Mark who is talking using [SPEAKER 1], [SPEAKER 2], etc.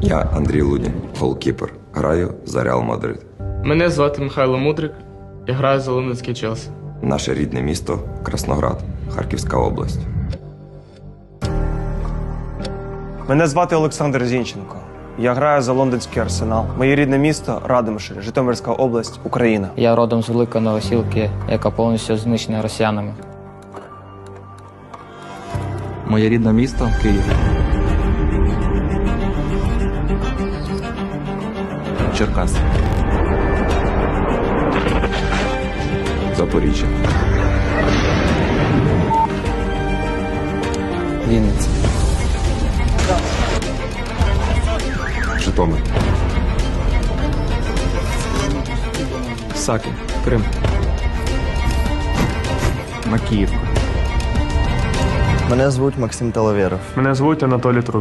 [SPEAKER 1] Я Андрій Лунін, голкіпер. Граю за Реал Мадрид.
[SPEAKER 2] Мене звати Михайло Мудрик. Я граю за лондонський Челсі.
[SPEAKER 1] Наше рідне місто Красноград, Харківська область.
[SPEAKER 3] Мене звати Олександр Зінченко. Я граю за лондонський Арсенал. Моє рідне місто Радомишль, Житомирська область, Україна.
[SPEAKER 4] Я родом з Великої Новосілки, яка повністю знищена росіянами.
[SPEAKER 5] Моє рідне місто Київ. Черкаси.
[SPEAKER 1] Запоріжжя.
[SPEAKER 4] Вінниця.
[SPEAKER 1] Житомир.
[SPEAKER 5] Саки. Крим. Макіївка.
[SPEAKER 6] Мене звуть Максим Талавєров.
[SPEAKER 7] Мене звуть Анатолій Трубін.